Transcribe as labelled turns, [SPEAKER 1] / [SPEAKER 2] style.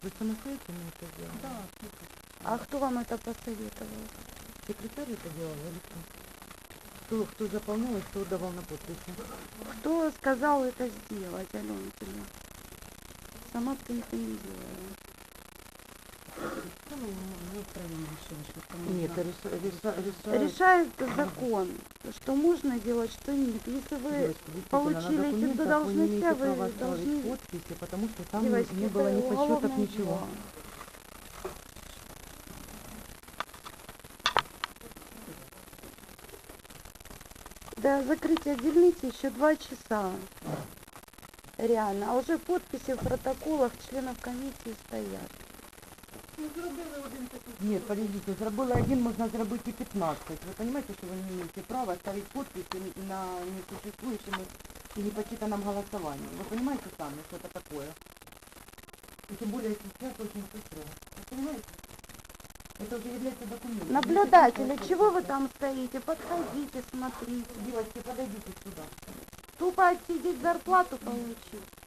[SPEAKER 1] Вы самостоятельно это сделали?
[SPEAKER 2] Да.
[SPEAKER 3] А кто вам это посоветовал?
[SPEAKER 1] Секретарь это делала или кто? Кто заполнял и кто давал на подписи?
[SPEAKER 3] Кто сказал это сделать, Алена, тебе? Сама, в принципе, не делала.
[SPEAKER 2] Ну, мы втроем решили, что кому
[SPEAKER 1] Нет,
[SPEAKER 2] нужно.
[SPEAKER 3] Решает закон, что можно делать, что нет. Если вы
[SPEAKER 1] девочки, действительно,
[SPEAKER 3] получили
[SPEAKER 1] на
[SPEAKER 3] эти
[SPEAKER 1] документах вы не
[SPEAKER 3] должности,
[SPEAKER 1] имеете
[SPEAKER 3] вы
[SPEAKER 1] права ставить
[SPEAKER 3] должны...
[SPEAKER 1] подписи, потому что там
[SPEAKER 3] Девочки,
[SPEAKER 1] не
[SPEAKER 3] это
[SPEAKER 1] было ни подсчетов,
[SPEAKER 3] уголовное
[SPEAKER 1] ничего.
[SPEAKER 3] дело. До закрытия дельницы еще 2 часа. Реально. А уже подписи в протоколах членов комиссии стоят.
[SPEAKER 1] Нет, подождите, зробили один, можно зробить и 15. Вы понимаете, что вы не имеете права ставить подписи на несуществующем и непочитанном голосовании. Вы понимаете сами, что это такое? И тем более сейчас очень быстро. Вы понимаете? Это уже является документом.
[SPEAKER 3] Наблюдатели, чего вы там стоите? Подходите, смотрите.
[SPEAKER 1] Девочки, подойдите сюда.
[SPEAKER 3] Тупо отсидеть зарплату получить.